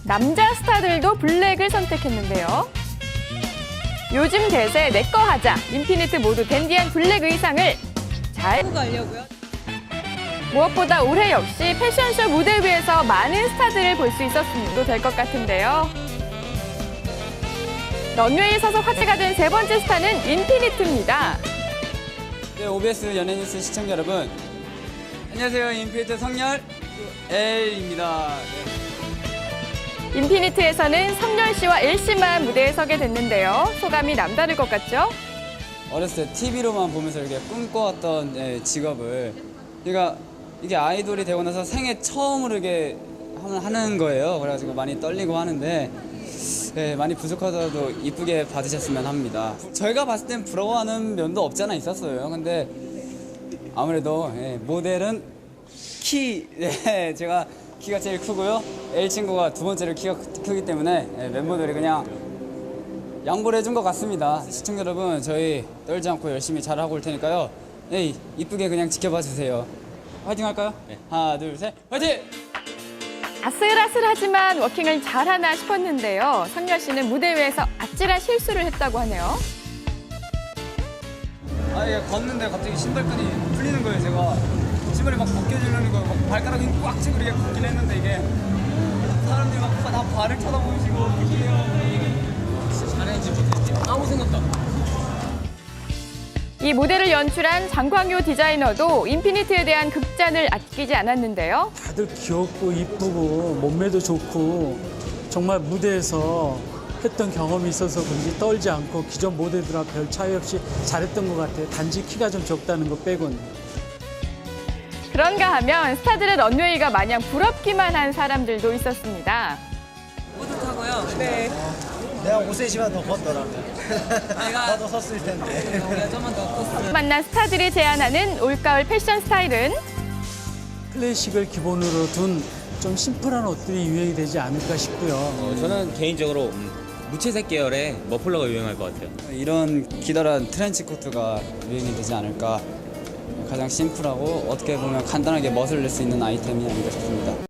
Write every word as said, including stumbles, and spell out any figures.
남자 스타들도 블랙을 선택했는데요. 요즘 대세 내꺼 하자, 인피니트 모두 댄디한 블랙 의상을 잘 하고 가려고요. 무엇보다 올해 역시 패션쇼 무대 위에서 많은 스타들을 볼 수 있었음도 될 것 같은데요. 런웨이에 서서 화제가 된 세 번째 스타는 인피니트입니다. 네, 오비에스 연예뉴스 시청자 여러분, 안녕하세요. 인피니트 성열 L입니다. 네. 인피니트에서는 성열 씨와 엘 씨만 무대에 서게 됐는데요. 소감이 남다를 것 같죠? 어렸을 때 티비로만 보면서 이렇게 꿈꿔왔던 예, 직업을, 그러니까 이게 아이돌이 되고 나서 생애 처음으로 이게 하는 거예요. 그래가지고 많이 떨리고 하는데, 네, 많이 부족하더라도 이쁘게 받으셨으면 합니다. 저희가 봤을 땐 부러워하는 면도 없지 않아 있었어요. 근데 아무래도 예, 모델은 키, 네, 제가 키가 제일 크고요. L 친구가 두 번째로 키가 크- 크기 때문에 예, 멤버들이 그냥 양보를 해준 것 같습니다. 시청자 여러분, 저희 떨지 않고 열심히 잘하고 올 테니까요. 예, 이쁘게 그냥 지켜봐 주세요. 화이팅 할까요? 네. 하나, 둘, 셋, 화이팅! 아슬아슬하지만 워킹을 잘하나 싶었는데요. 성열 씨는 무대 위에서 아찔한 실수를 했다고 하네요. 아, 이게 걷는데 갑자기 신발끈이 풀리는 거예요. 제가 신발이 막 벗겨지려는 거, 막 발가락이 꽉 쥐고 이렇게 걷긴 했는데, 이게 사람들이 막 다 발을 쳐다보시고 그게요. 진짜 잘했는지 못했는지 아무 생각도 안 나요. 이 모델을 연출한 장광효 디자이너도 인피니트에 대한 극찬을 아끼지 않았는데요. 다들 귀엽고 이쁘고 몸매도 좋고 정말 무대에서 했던 경험이 있어서 그런지 떨지 않고 기존 모델들과 별 차이 없이 잘했던 것 같아요. 단지 키가 좀 적다는 것 빼고는. 그런가 하면 스타들의 런웨이가 마냥 부럽기만 한 사람들도 있었습니다. 뿌듯하고요. 네. 내가 오 센티미터만 더 걷더라면 내가 나도 섰을 텐데. 우리가 좀만 더 컸으면. 만난 스타들이 제안하는 올가을 패션 스타일은 클래식을 기본으로 둔 좀 심플한 옷들이 유행이 되지 않을까 싶고요. 어, 저는 개인적으로 음, 무채색 계열의 머플러가 유행할 것 같아요. 이런 기다란 트렌치 코트가 유행이 되지 않을까. 가장 심플하고 어떻게 보면 간단하게 멋을 낼 수 있는 아이템이 아닌가 싶습니다.